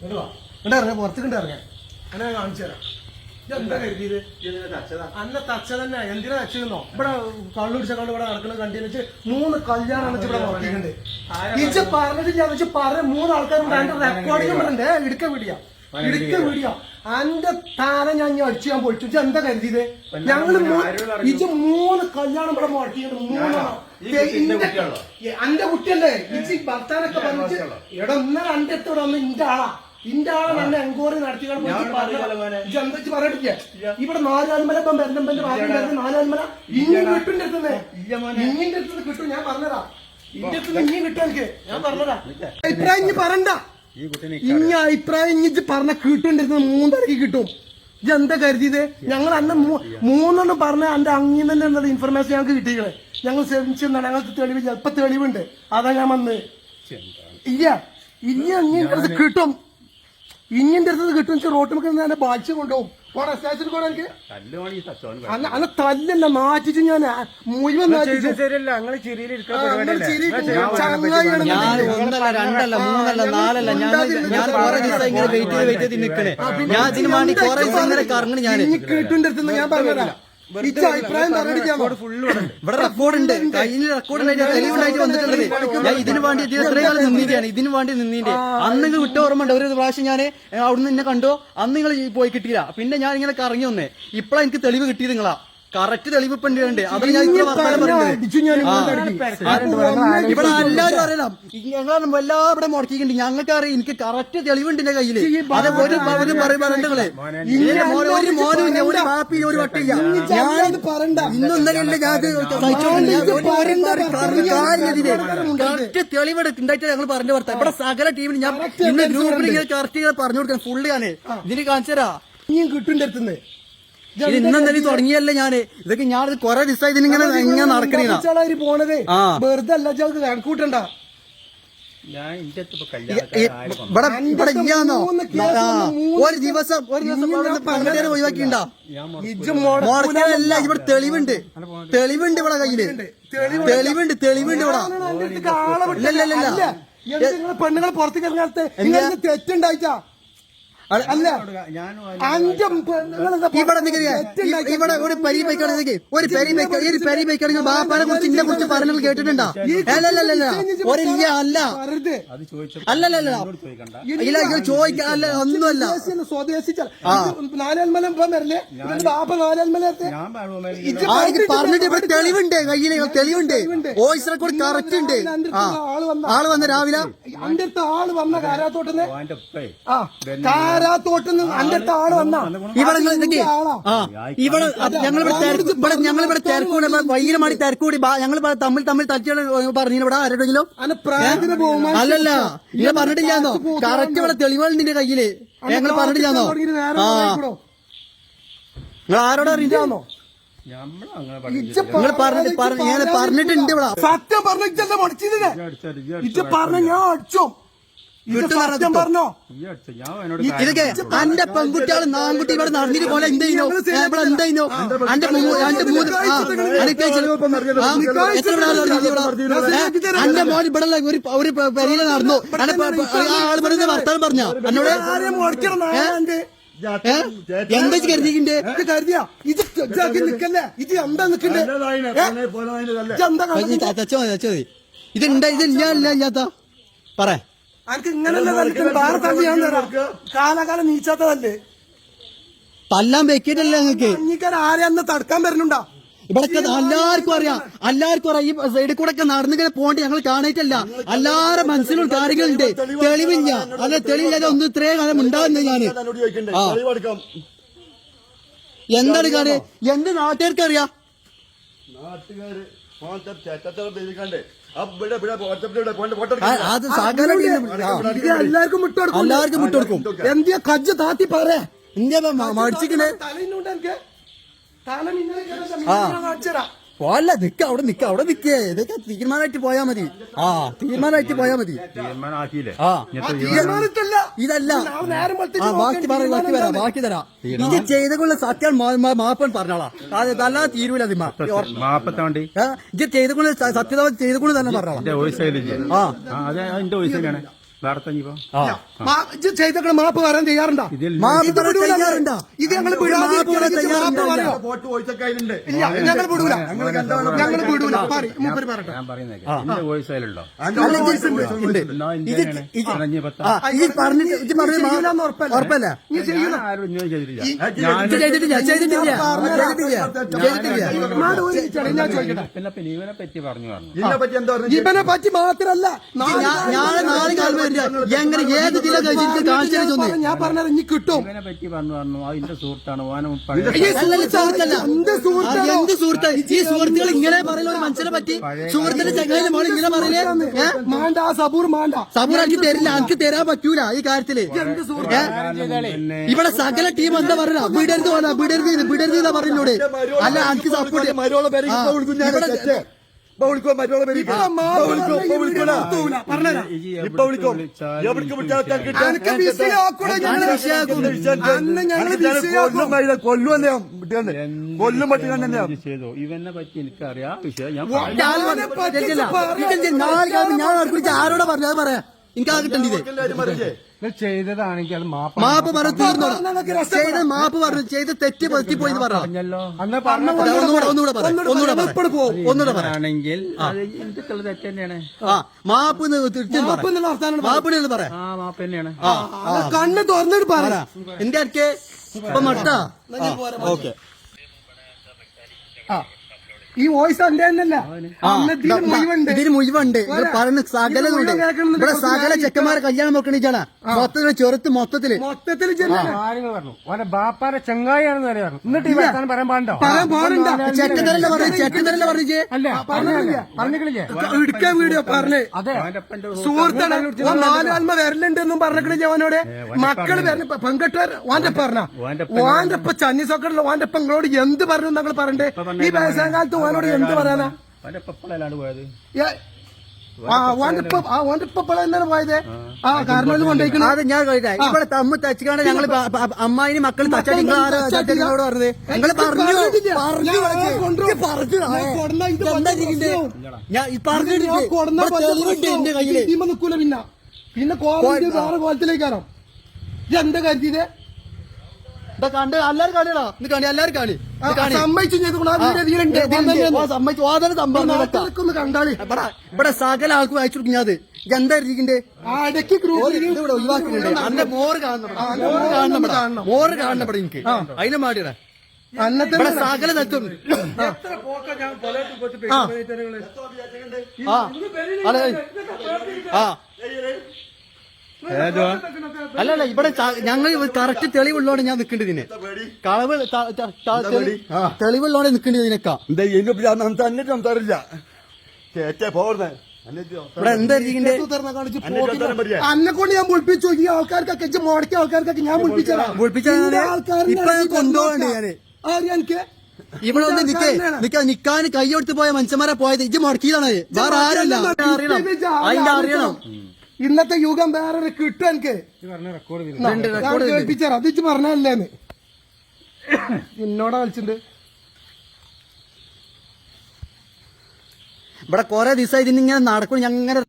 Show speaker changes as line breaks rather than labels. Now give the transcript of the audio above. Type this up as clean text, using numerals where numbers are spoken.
ഇറങ്ങാം പുറത്തേക്ക് ഇറങ്ങാം അങ്ങനെ ഞാൻ കാണിച്ചു തരാം. എന്താ കരുതിയത് അന്ന തച്ച തന്നെ എന്തിനാ തച്ചോ ഇവിടെ കള്ളു പിടിച്ച കള്ളു ഇവിടെ നടക്കുന്നത് കണ്ടെന്ന് വെച്ച് 3 കല്യാണം ഇവിടെ നോക്കിയിട്ടുണ്ട്. ഇച്ച പറഞ്ഞിട്ടില്ല പറഞ്ഞ 3 ആൾക്കാരുണ്ട്. അതിന്റെ റെക്കോർഡിംഗ് ഉണ്ട്. ഇടുക്ക വീഡിയോ അന്റെ താര ഞാൻ അടിച്ചു ഞാൻ പൊളിച്ചു. ഇജ്ജ് എന്താ കരുതിയത്? ഞങ്ങള് ഇജ്ജ് 3 കല്യാണം ഇവിടെ മുടക്കിയിട്ടുണ്ട്. 3 അന്റെ കുട്ടിയല്ലേ ഇജ്ജ് ഭർത്താനൊക്കെ പറഞ്ഞിട്ട് ഇവിടെ ഒന്നര അന്റെ അടുത്ത് ഇവിടെ വന്ന് ഇന്റെ ആളാ തന്നെ എൻക്വയറി നടത്തി എന്താ പറയട്ടില്ല. ഇവിടെ 4 ആൽമല ഇപ്പം ബന്ധമ്പന്റെ ഭാഗം 4 ആൽമല ഇഞ്ഞിന്റെ അടുത്തുനിന്ന് ഇഞ്ഞിന്റെ അടുത്ത് കിട്ടും. ഞാൻ പറഞ്ഞതാ ഇന്റെ അടുത്ത് ഇഞ്ഞി കിട്ടും. എനിക്ക് ഞാൻ പറഞ്ഞതാ അഭിപ്രായം ഇഞ്ഞി പറയണ്ട. ഇഞ്ഞ അഭിപ്രായം ഇഞ്ഞിച്ച് പറഞ്ഞ കിട്ടുണ്ടിരുന്നത് 3 തരക്ക് കിട്ടും. ഇജ്ജ് എന്താ കരുതിയത്? ഞങ്ങൾ അന്ന് 3 പറഞ്ഞ എന്റെ അങ്ങിൽ തന്നെ ഉള്ളത് ഇൻഫർമേഷൻ ഞങ്ങൾക്ക് കിട്ടിയത്. ഞങ്ങൾ ശ്രമിച്ചെന്നാണ്. ഞങ്ങൾക്ക് തെളിവ് ചിലപ്പോ തെളിവുണ്ട്. അതാ ഞാൻ വന്ന് ഇല്ല ഇഞ്ഞിന്റെ അടുത്ത് കിട്ടും. ഇഞ്ഞിന്റെ അടുത്ത് കിട്ടും. റോട്ടിൽ ഞാൻ ബാധിച്ചു കൊണ്ടുപോകും. സ്റ്റേഷനിൽ പോകാൻ എനിക്ക് അല്ല തല്ലല്ല നാറ്റിച്ച് ഞാൻ മുഴുവൻ കിട്ടുന്റെ അടുത്ത് ഞാൻ പറഞ്ഞതാ. അഭിപ്രായം
ഇവിടെ റെക്കോർഡുണ്ട്. കയ്യിൽ റെക്കോർഡുണ്ടായിട്ട് തെളിവുണ്ടായിട്ട് വന്നിട്ടുള്ളത്. ഞാൻ ഇതിനു വേണ്ടി ഇത്രയും കാലം നിന്നിട്ടാണ്. ഇതിനു വേണ്ടി നിന്നിന്റെ അന്ന് നിങ്ങൾ വിട്ട ഓർമ്മ ഉണ്ട്. ഒരു പ്രാവശ്യം ഞാൻ അവിടുന്ന് എന്നെ കണ്ടോ. അന്ന് നിങ്ങൾ പോയി കിട്ടിയില്ല. പിന്നെ ഞാൻ ഇങ്ങനെ കറങ്ങി വന്നേ. ഇപ്പഴാ എനിക്ക് തെളിവ് കിട്ടിയത്. നിങ്ങളാ കറക്റ്റ് തെളിവ് ഇപ്പൊ ഉണ്ട്. അത് ഞാൻ ഇവിടെ എല്ലാവരും അറിയണം. ഞങ്ങളാണ് എല്ലാം ഇവിടെ മുടക്കിയിട്ടുണ്ട്. ഞങ്ങൾക്ക് അറിയാം. എനിക്ക് കറക്റ്റ് തെളിവുണ്ട് എന്റെ കയ്യില്. അത് ഒരു പറയണ്ടേ ഒരു മോനും ഒരു മാപ്പി ഒരു വട്ടില്ല. ഞാൻ പറയണ്ട ഇന്നൊന്നല്ലേ കറക്റ്റ് തെളിവ് ഉണ്ടായിട്ട് ഞങ്ങൾ പറഞ്ഞു കൊടുത്ത ഇവിടെ സകല ടീമിന് ഞാൻ ഇന്ന് ഗ്രൂപ്പിൽ ഇങ്ങനെ കറക്റ്റ് പറഞ്ഞു കൊടുക്കാൻ ഫുള്ള് ഞാന് ഇതിന് കാണിച്ചരാ.
ഇനിയും കിട്ടുന്റെ അടുത്തുനിന്ന്
ഇത് ഇന്നെന്തായാലും തുടങ്ങിയല്ലേ ഞാന്. ഇതൊക്കെ ഞാൻ കൊറേ ദിവസമായി ഇതിനിങ്ങനെ എങ്ങനെ നടക്കണേ
പോണത്. വെറുതെ അല്ല കണക്കൂട്ടണ്ട.
ഒരു ദിവസം ഒഴിവാക്കിണ്ടാ ഇവിടെ തെളിവുണ്ട്. തെളിവുണ്ട് ഇവിടെ കയ്യില്. തെളിവുണ്ട് ഇവിടെ.
പെണ്ണുങ്ങൾ പുറത്തേക്ക് ഇറങ്ങാത്ത തെറ്റുണ്ടായിട്ടാ അല്ല
ഇവിടെ ഒരു പരി ബൈക്കാണെങ്കിൽ ബാപ്പാനെ കുറിച്ച് ഇതിനെ കുറിച്ച് പറഞ്ഞത് കേട്ടിട്ടുണ്ടോ? അല്ല ചോദിക്കാല്ല ഒന്നുമല്ല. പറഞ്ഞിട്ട് ഇവിടെ തെളിവുണ്ട്. കയ്യില് തെളിവുണ്ട്. വോയിസ് റെക്കോർഡ് കറക്റ്റ് ഉണ്ട്. ആള് വന്ന രാവിലെ
അന്റെ അടുത്ത് ആള് വന്ന കാരാത്തോട്ടന്ന് കാരാത്തോട്ടന്ന് അന്റെ അടുത്ത് ആള് വന്ന
ഇവിടെ ഞങ്ങളിവിടെ തിരക്കൂടെ വൈകിരമാടി തിരക്കൂടി ഞങ്ങൾ തമ്മിൽ തച്ചുകൾ പറഞ്ഞു ഇവിടെ ആരുടെങ്കിലും അല്ലല്ല ഇങ്ങനെ പറഞ്ഞിട്ടില്ലാന്നോ? കറക്റ്റ് ഇവിടെ തെളിവുണ്ട് നിന്റെ കയ്യില്. ഞങ്ങൾ പറഞ്ഞിട്ടില്ലാന്നോ? നിങ്ങൾ ആരോട് അറിയില്ലാന്നോ? നിങ്ങൾ പറഞ്ഞിട്ടുണ്ട് ഇവിടെ.
സത്യം പറഞ്ഞ പറഞ്ഞ ഞാൻ അടിച്ചോ പറഞ്ഞോ.
ഇതൊക്കെ അന്റെ പെൺകുട്ടികൾ നാൻകുട്ടി ഇവിടെ നടന്നിട്ട് പോലെ എന്തായിനോ ഇവിടെ എന്തായിനോ അന്റെ അന്റെ മോൻ ഇവിടെ ഒരു പെരിയില നടന്നു. ആള് പറഞ്ഞ വർത്താനം പറഞ്ഞ എന്നോട് എന്താ കരുതിന്റെ
കരുതിയാ ഇത് നിക്കല്ലേ? ഇത് എന്താ നിക്കണ്ടേ?
ഇതുണ്ടാ ഇല്ലാത്ത പറയാ
എനിക്ക് ഇങ്ങനല്ല വേറെ തള്ളി ഞാൻ തരാം. കാലാകാലം നീച്ചാത്തതല്ലേ
തല്ലാൻ വെക്കിട്ടല്ലേ നിങ്ങൾക്ക്?
ആരെ അന്ന് തടുക്കാൻ വരുന്നുണ്ടോ?
ഇവിടെ എല്ലാവർക്കും അറിയാം. ഈ സൈഡിൽ കൂടെ ഒക്കെ നടന്നിങ്ങനെ പോകേണ്ട ഞങ്ങൾ കാണായിട്ടല്ല. എല്ലാവരുടെ മനസ്സിലും കാര്യങ്ങളുണ്ട്. തെളിവില്ല. അല്ല തെളിവില്ലാതെ ഒന്നും ഇത്രയും കാലം ഉണ്ടാവുന്നത് ഞാന്. എന്താണ് കാര്യം? എന്ത് നാട്ടുകാർക്ക് അറിയാം? അത്
എല്ലാവർക്കും
വിട്ടുകൊടുക്കും.
എന്തിയാ കജ്ജ താത്തി പറയാ
ഇന്ത്യ മടിച്ചിക്കണേ. പോല്ല അവിടെ നിക്കേ. ഇതൊക്കെ തീരുമാനമായിട്ട് പോയാ മതി. തീരുമാനമായിട്ട് പോയാ മതി. ഇതല്ല ബാക്കി തരാം. ഇത് ചെയ്തുകൊള്ള സത്യം മാപ്പൻ പറഞ്ഞോളാം. അതല്ലാതെ തീരൂല. ഇത് ചെയ്തുകൊണ്ട് സത്യത ചെയ്തുകൊണ്ട് തന്നെ പറഞ്ഞോളാം.
ചെയ്ത മാപ്പ് പറയാൻ തയ്യാറുണ്ടോ?
മാപ്പ് പറയാൻ തയ്യാറുണ്ടോ?
ഇത് ഞങ്ങൾ
മാപ്പ് പറയാൻ തയ്യാറുണ്ടോ?
ഇല്ല, ഞങ്ങൾ വിടൂല, ഞങ്ങൾ വിടൂല. മൂപ്പര് പറയട്ടെ.
ഞാൻ പറയുന്നേ എന്റെ വോയിസ് അതിലുണ്ടോ?
ഈ പറഞ്ഞിട്ട് ഇത് പറഞ്ഞ ഉറപ്പല്ല.
ആരും ഇങ്ങനെ ചെയ്തിട്ടില്ല. പിന്നെ ഇവനെ പറ്റി പറഞ്ഞു
ഇവനെ പറ്റി മാത്രല്ല
നാളെ കാലം എങ്ങനെ ഏത് ജില്ല കാണിച്ചു
ഞാൻ പറഞ്ഞത് ഇനി കിട്ടും.
ഇവനെ പറ്റി പറഞ്ഞു അതിന്റെ സുഹൃത്താണ്
എന്ത് സുഹൃത്ത്? ഈ സുഹൃത്തുക്കൾ ഇങ്ങനെ പറയുന്ന ഒരു മനുഷ്യനെ പറ്റി സുഹൃത്തിന്റെ ചങ്ങായിന്റെ മോൾ ഇങ്ങനെ പറയില്ലേ?
മാണ്ട സബൂർ മാണ്ട
സബൂർ എനിക്ക് തരില്ല, എനിക്ക് തരാൻ പറ്റൂല ഈ കാര്യത്തില്. ഇവിടെ സകല ടീം എന്താ പറയുക? വിടരുത് വിടരുത് എന്നാ പറയുന്നോട്. അല്ല എനിക്ക് സപ്പോർട്ട്
ചെയ്തു. ഇവനെ പറ്റി എനിക്കറിയാം വിഷയം. ഞാൻ
ആരോടെ പറഞ്ഞു അത് പറയാ. എനിക്ക് ആ കിട്ടേണ്ടത്
ചെയ്തതാണെങ്കിൽ അത്
മാപ്പ് പറഞ്ഞു തീർന്നോ? ചെയ്ത മാപ്പ് പറഞ്ഞു, ചെയ്ത് തെറ്റ് പറ്റിപ്പോയി
പറഞ്ഞല്ലോ.
ഒന്നുകൂടെ
ആണെങ്കിൽ എനിക്കുള്ള തെറ്റ് തന്നെയാണ്.
മാപ്പ് പറയാം.
ആ മാപ്പ് തന്നെയാണ്.
കണ്ണ് തുറന്നിട്ട് പറ.
എന്റെ അടുക്കെ ഇപ്പൊ മട്ടാ. ഓക്കെ,
ഈ വോയിസ് എന്റെ തന്നെയല്ല,
ഇതിന് മുഴുവുണ്ട്. പറയുന്ന സകലുണ്ട്. ഇവിടെ സകല ചെക്കന്മാരെ കല്യാണം നോക്കണിച്ചാണ് മൊത്തത്തില് ചെറുത്ത് മൊത്തത്തില്
കാര്യങ്ങൾ പറഞ്ഞു. ഓന്റെ ബാപ്പാരെ ചങ്ങായിയാണെന്ന് വരെ പറഞ്ഞു. എന്നിട്ട് ഈ വർത്താനം പറയാൻ പാടോ?
ചെറ്റത്തരല്ല പറഞ്ഞു. ചെറ്റത്തരല്ല പറഞ്ഞേ.
പറഞ്ഞില്ലേ
ഇടുക്കാൻ വീഡിയോ പറഞ്ഞേ.
അതെ,
സുഹൃത്താണ്. 4 ആത്മ വരലുണ്ടെന്നും പറഞ്ഞില്ലേ അവനോട്? മക്കള് വരണ പെൺകെട്ടുകാർ ഓന്റെ പറഞ്ഞ ഓന്റെ ഇപ്പൊ ചന്നി സോക്കറിൽ ഓന്റെ ഇപ്പൊ നിങ്ങളോട് എന്ത് പറഞ്ഞു നിങ്ങൾ പറഞ്ഞേ? ഈ വയസ്സാം കാലത്ത് ഓനോട് എന്ത് പറയാനാ?
പോയത്
ഓന്റെ ഇപ്പൊ എന്താണ് പോയത്? കാരണം കൊണ്ടുപോയിക്കണം.
അത് ഞാൻ കഴിക്കാം. ഇവിടെ തമ്മ് തച്ചുകാണ്ട് ഞങ്ങള് അമ്മായിന് മക്കൾ തച്ചാടി നിങ്ങളോട് പറഞ്ഞത്. നിങ്ങൾ എന്റെ കയ്യില്
നിക്കൂല. പിന്നെ കോളേജ് വേറെ കോലത്തിലേക്കാണോ ഇതെന്താ കരുതിയത്?
കണ്ട് എല്ലാരും കളിയാണോ? ഇത് കളി എല്ലാരും കളി
സമ്മതിച്ചു കണ്ടാളി.
ഇവിടെ സകല ആൾക്കും അയച്ചു കൊടുക്കും. ഞാൻ എന്താ ഇരിക്കണ്ടേ?
ഇടയ്ക്ക്
ഇവിടെ ഒഴിവാക്കുന്നുണ്ട്. അന്റെ മോറ് കാണണം, മോറ് കാണണം ഇവിടെ എനിക്ക്. അതിനെ മാടിയടാ ഇവിടെ സകല തച്ചുണ്ട്. അല്ലല്ല ഇവിടെ ഞങ്ങൾ കറക്റ്റ് തെളിവുള്ളോണ്ട് ഞാൻ നിൽക്കേണ്ടതിന്. കളവ് തെളിവുള്ളോണ്ട് നിൽക്കേണ്ടതിനേക്കാ. ഇവിടെ എന്താ ഇരിക്കണ്ടേ?
അന്നെ കൊണ്ട് ഞാൻ പൊളിപ്പിച്ചു. ഈ ആൾക്കാർക്കൊക്കെ മോടക്കിയ ആൾക്കാർക്കൊക്കെ ഞാൻ പൊളിപ്പിച്ചതാ.
ഇപ്പൊ ഞാൻ കൊണ്ടുപോകണ്ടേ ഞാന്?
എനിക്ക്
ഇവിടെ ഒന്ന് നിക്കാൻ കൈ കൊടുത്ത് പോയ മനുഷ്യന്മാരെ പോയത് ഇജ്ജ് മുടക്കിയതാണ്. വേറെ ആരല്ല. അറിയണം, അതിന്റെ അറിയണം.
ഇന്നത്തെ യുഗം വേറെ കിട്ടും. എനിക്ക് കേൾപ്പിച്ചാ അത് ഇച്ച് പറഞ്ഞല്ലേന്ന് എന്നോടാ കളിച്ചിട്ടുണ്ട്.
ഇവിടെ കൊറേ ദിവസമായി ഇതിനിങ്ങനെ നടക്കും. ഞങ്ങനെ